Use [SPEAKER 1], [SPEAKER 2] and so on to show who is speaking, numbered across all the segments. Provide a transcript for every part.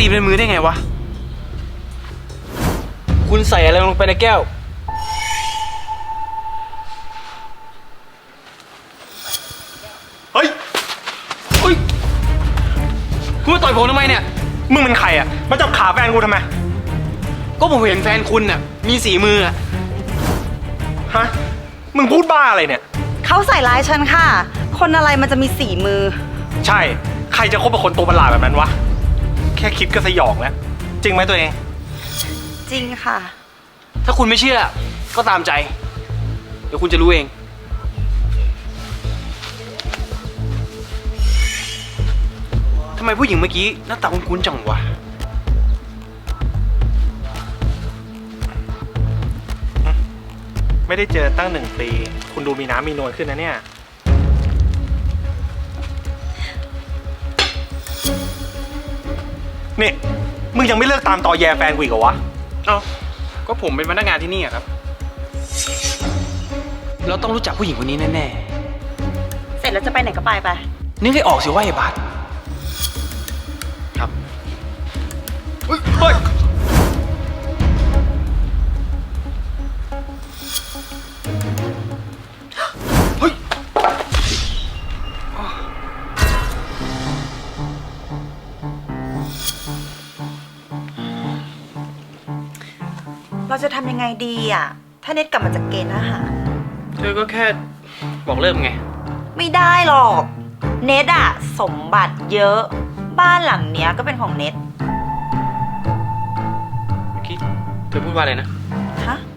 [SPEAKER 1] ตีเป็นมือได้ไงวะคุณใส่อะไรลงไปในแก้ว
[SPEAKER 2] เฮ้ย
[SPEAKER 1] คุณมาต่อยผมทำไมเนี่ย
[SPEAKER 2] มึงเป็นใครอ่ะมาจับขาแฟนกูทำไม
[SPEAKER 1] ก็ผมเห็นแฟนคุณน่ะมีสีมืออะ
[SPEAKER 2] ฮะมึงพูดบ้าอะไรเนี่ย
[SPEAKER 3] เขาใส่ร้ายฉันค่ะ คนอะไรมันจะมีสีมือ
[SPEAKER 2] ใช่ใครจะคบกับคนตัวประหลาดแบบนั้นวะแค่คิดก็สยองแล้วจริงไหมตัวเอง
[SPEAKER 3] จริงค่ะ
[SPEAKER 1] ถ้าคุณไม่เชื่อก็ตามใจเดี๋ยวคุณจะรู้เองทำไมผู้หญิงเมื่อกี้หน้าตาคุ้นๆจังวะ
[SPEAKER 2] ไม่ได้เจอตั้ง1 ปีคุณดูมีน้ำมีนวลขึ้นนะเนี่ยนี่มึงยังไม่เลิกตามตอแยแฟนกูอีกเหรอวะ
[SPEAKER 1] เอ้าก็ผมเป็นพนักงานที่นี่อะครับเราต้องรู้จักผู้หญิงคนนี้แน่
[SPEAKER 3] เสร็จแล้วจะไปไหนก็ไป
[SPEAKER 1] นึกให้ออกสิว่าไอ้บาสครับ
[SPEAKER 2] เฮ้ย
[SPEAKER 3] เราจะทำยังไงดีอ่ะถ้าเน็ตกลับมาจากเกณฑ์ทหาร
[SPEAKER 1] เธอก็แค่บอกเลิกไง
[SPEAKER 3] ไม่ได้หรอกเน็ตอ่ะสมบัติเยอะบ้านหลังเนี้ยก็เป็นของเน็ต
[SPEAKER 1] เมื่อกี้เธอพูดว่าอะไรนะ
[SPEAKER 3] ฮะ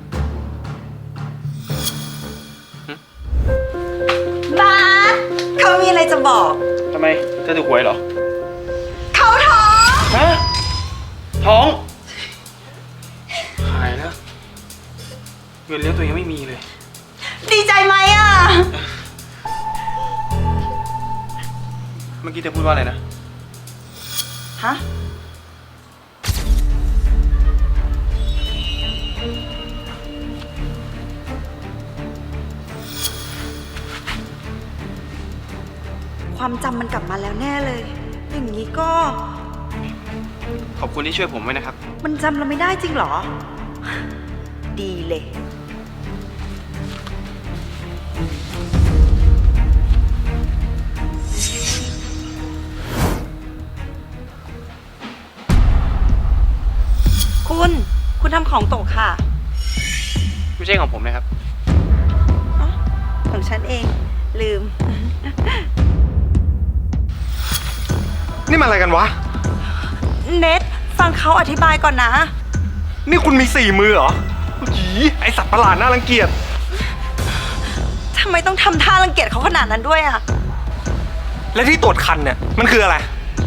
[SPEAKER 3] บ้าเขามีอะไรจะบอก
[SPEAKER 1] ทำไมเธอถูกหวยเหรอ
[SPEAKER 3] เขาท้อง
[SPEAKER 1] ฮะท้องหายแล้วเงินเลี้ยงตัวเองไม่มีเลย
[SPEAKER 3] ดีใจไหมอ่ะ
[SPEAKER 1] เมื่อกี้เธอพูดว่าอะไรนะ
[SPEAKER 3] ฮะความจำมันกลับมาแล้วแน่เลยอย่างนี้ก็
[SPEAKER 1] ขอบคุณที่ช่วยผมไว้นะครับ
[SPEAKER 3] มันจำเราไม่ได้จริงเหรอดีเลยคุณทำของตกค่ะ
[SPEAKER 1] ไม่ใช่ของผมนะครับ
[SPEAKER 3] ของฉันเองลืม
[SPEAKER 2] นี่มันอะไรกันวะ
[SPEAKER 3] เน็ตฟังเขาอธิบายก่อนนะ
[SPEAKER 2] นี่คุณมี4 มือเหรอหีไอสัตว์ประหลาดน่ารังเกียจ
[SPEAKER 3] ทำไมต้องทำท่ารังเกียจเขาขนาดนั้นด้วยอ่ะ
[SPEAKER 2] และที่ตรวจคันเนี่ยมันคืออะไร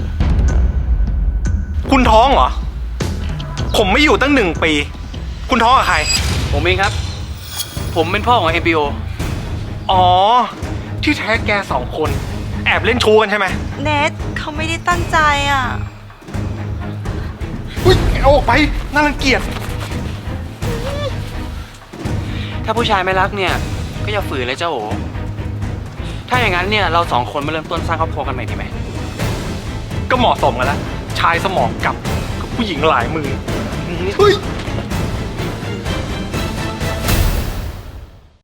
[SPEAKER 2] คุณท้องเหรอผมไม่อยู่ตั้ง1 ปีคุณท้องกับใคร
[SPEAKER 1] ผมเองครับผมเป็นพ่อของ MBO
[SPEAKER 2] อ๋อที่แท้แก2 คนแอบเล่นชู้กันใช่ไหม
[SPEAKER 3] เนทเขาไม่ได้ตั้งใจอ่ะ
[SPEAKER 2] อุ้ยเอาออกไปน่ารังเกียจ
[SPEAKER 1] ถ้าผู้ชายไม่รักเนี่ยก็อย่าฝืนเลยเจ้าโอถ้าอย่างนั้นเนี่ยเรา2 คนมาเริ่มต้นสร้างครอบครัวกันใหม่ดีไหม
[SPEAKER 2] ก็เหมาะสมกันแล้วชายสมองกับผู้หญิงหลายมือเฮ้ย